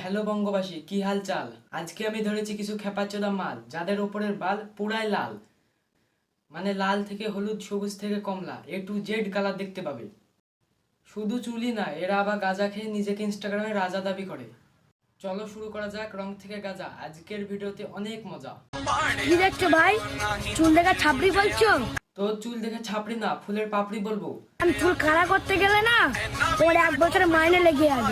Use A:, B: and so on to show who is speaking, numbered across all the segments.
A: Hello বঙ্গবাসী, কি হাল চাল? আজকে আমি ধরেছি কিছু খেপাচোদা মাল যাদের ওপরের বাল পুরাই লাল, মানে লাল থেকে হলুদ, সবুজ থেকে কমলা, A to Z কালার দেখতে পাবে। শুধু চুলই না, এরা আবার গাঁজা খেয়ে নিজেকে ইনস্টাগ্রামে রাজা দাবি করে। চলো শুরু করা যাক রং থেকে গাঁজা। আজকের ভিডিওতে অনেক মজা।
B: কি দেখছো ভাই? চুল দেখা ছাপড়ি বলছো?
A: তোর চুল দেখে ছাপড়ি না, ফুলের পাপড়ি বলবো।
B: আমি চুল খাড়া করতে গেলে না তোমার 1 বছরের মাইনে লেগে যাবে।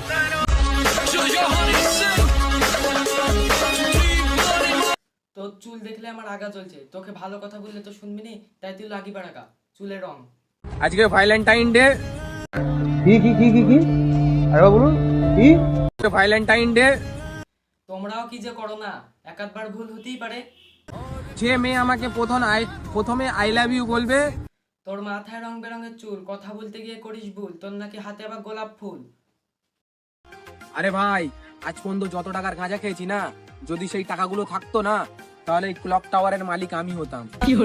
A: তোর চুল দেখলে আমার আগা চলছে, তোকে ভালো কথা বললে তো শুনবি নি, তাই তুই লাগি বাড়াকা চুলের রং।
C: আজকে ভ্যালেন্টাইন ডে।
D: কি আরে বলুন কি?
C: Valentine day.
A: তোমরাও কি যে করো না, এক আধবার ভুল হতেই পারে।
C: যে মেয়ে আমাকে প্রথমে আই লাভ ইউ বলবে,
A: তোর মাথায় রং বেরঙের চুল, কথা বলতে গিয়ে করিস ভুল, তোর নাকি হাতে আবার গোলাপ ফুল।
C: আরে ভাই, আজ পর্যন্ত যত টাকার গাঁজা খেয়েছি না, যদি সেই টাকাগুলো থাকতো না, তাহলে এই ক্লক টাওয়ারের মালিক আমি হতাম।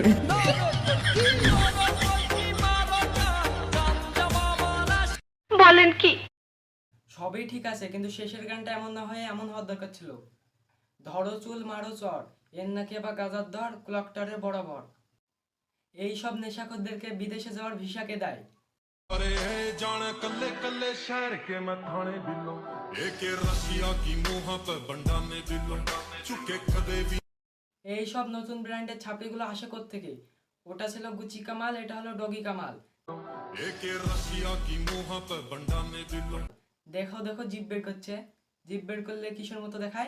B: বলেন কি?
A: সবই ঠিক আছে, কিন্তু শেষের গানটা এমন না হয়ে এমন হওয়ার দরকার ছিল, ধরো চুল মারো চর, এর নাকি আবার গাজার ধর ক্লকটারের বরাবর। এই সব নেশাখোরদেরকে বিদেশে যাওয়ার ভিসা কে দেয়?
E: अरे जान कल्ले कल्ले शहर के मैं थाने दिलों एक रशिया की मुंह पे बंडा ने दिलों चुके कदे भी।
A: এই সব নতুন ব্র্যান্ডের ছাপড়িগুলো আসে থেকে? ওটা ছিল গুচি কামাল, এটা হলো ডগি কামাল।
E: एक रशिया की मुंह पे बंडा ने दिलों।
A: দেখো দেখো জিভ বের করছে, জিভ বের করলে কিসের মতো দেখায়?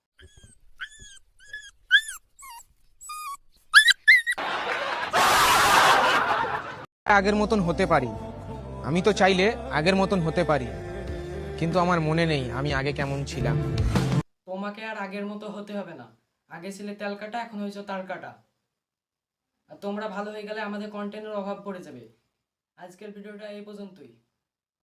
C: আগের মতন হতে পারি, আমি তো চাইলে আগের মতন হতে পারি, কিন্তু আমার মনে নেই আমি আগে কেমন ছিলাম।
A: তোমাকে আর আগের মতো হতে হবে না, আগে ছিলে তেল কাটা, এখন হয়েছে তার কাটা। আর তোমরা ভালো হয়ে গেলে আমাদের কন্টেন্টের অভাব পড়ে যাবে। আজকের ভিডিওটা এই পর্যন্তই।